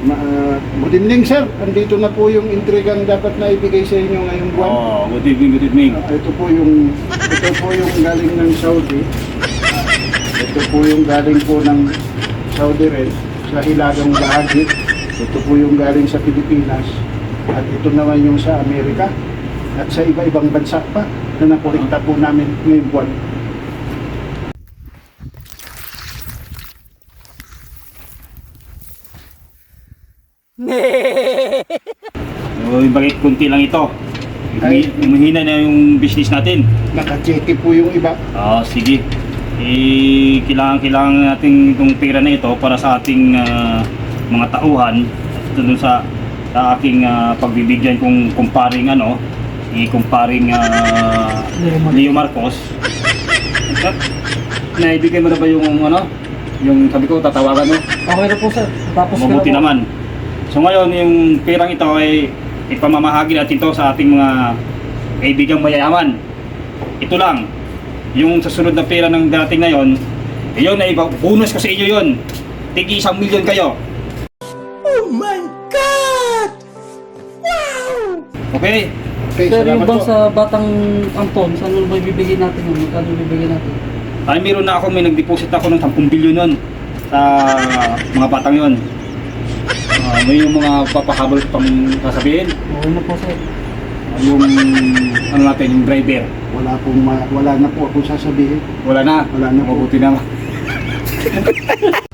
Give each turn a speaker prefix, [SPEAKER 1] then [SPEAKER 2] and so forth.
[SPEAKER 1] Good evening, sir. Andito na po yung intrigang dapat na ibigay sa inyo ngayong buwan.
[SPEAKER 2] Good evening, good evening.
[SPEAKER 1] Ito po yung galing ng Saudi. Ito po yung galing po ng Saudi rin sa hilagang bahagi. Ito po yung galing sa Pilipinas. At ito naman yung sa Amerika. At sa iba-ibang bansa pa na nakolekta po namin ngayong buwan.
[SPEAKER 2] Bakit kunti lang ito? Umihina na yung business natin.
[SPEAKER 1] Naka-cheque po yung iba.
[SPEAKER 2] Sige. Kailangan natin itong pera na ito para sa ating mga tauhan. At doon sa aking pagbibigyan kung kumparing kumparing Leo Marcos. At naibigay mo na ba yung yung sabi ko tatawagan mo?
[SPEAKER 3] Okay na po sir. Tapos
[SPEAKER 2] Mabuti
[SPEAKER 3] ko na po.
[SPEAKER 2] naman. So ngayon yung perang ito ay ipamamahagi natin ito sa ating mga kaibigang mayayaman. Ito lang. Yung sa sunod na pera ng dating ngayon, yun ay bonus ko sa inyo yun. Tigi 1 milyon kayo.
[SPEAKER 4] Oh my God! Wow!
[SPEAKER 2] Okay?
[SPEAKER 1] Okay,
[SPEAKER 3] Sir, yung
[SPEAKER 1] salamat
[SPEAKER 3] bang
[SPEAKER 1] po.
[SPEAKER 3] sa Batang Anton, saan mo ba ibibigay natin yun? Magkano ibibigay natin?
[SPEAKER 2] Ay meron na ako, may nag-deposit ako ng 10 bilyon nun sa mga batang yun. May yung mga papahabol pang sasabihin.
[SPEAKER 3] Okay na po sir.
[SPEAKER 2] Yung natin, yung driver.
[SPEAKER 1] Wala na po akong sasabihin.
[SPEAKER 2] Wala na.
[SPEAKER 1] Wala na po.
[SPEAKER 2] Mabuti naman.